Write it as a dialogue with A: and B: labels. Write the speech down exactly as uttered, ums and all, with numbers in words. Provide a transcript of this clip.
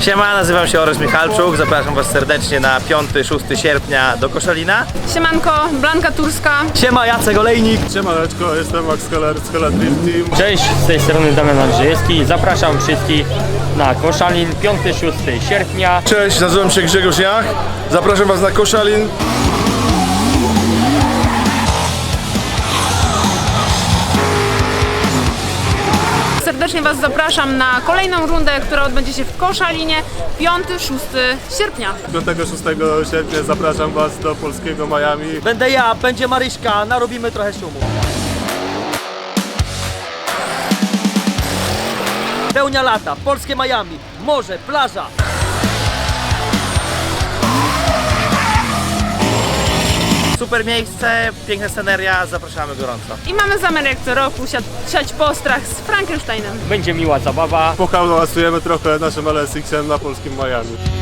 A: Siema, nazywam się Oresz Michalczuk, zapraszam was serdecznie na piąty szósty sierpnia do Koszalina.
B: Siemanko, Blanka Turska.
C: Siema, Jacek Olejnik.
D: Siemaneczko, jestem Max Kolar z Kolar Dream Team.
E: Cześć, z tej strony Damian Andrzejewski. Zapraszam wszystkich na Koszalin piąty szósty sierpnia.
D: Cześć, nazywam się Grzegorz Jach. Zapraszam was na Koszalin.
B: Serdecznie was zapraszam na kolejną rundę, która odbędzie się w Koszalinie piąty szósty sierpnia.
D: piątego szóstego sierpnia zapraszam was do polskiego Miami.
C: Będę ja, będzie Maryśka, narobimy trochę szumu. Pełnia lata, polskie Miami, morze, plaża.
A: Super miejsce, piękna sceneria, zapraszamy gorąco.
B: I mamy zamiar jak co roku siać, siać postrach z Frankensteinem.
E: Będzie miła zabawa.
D: Pohałasujemy trochę naszym L S X-em na polskim Miami.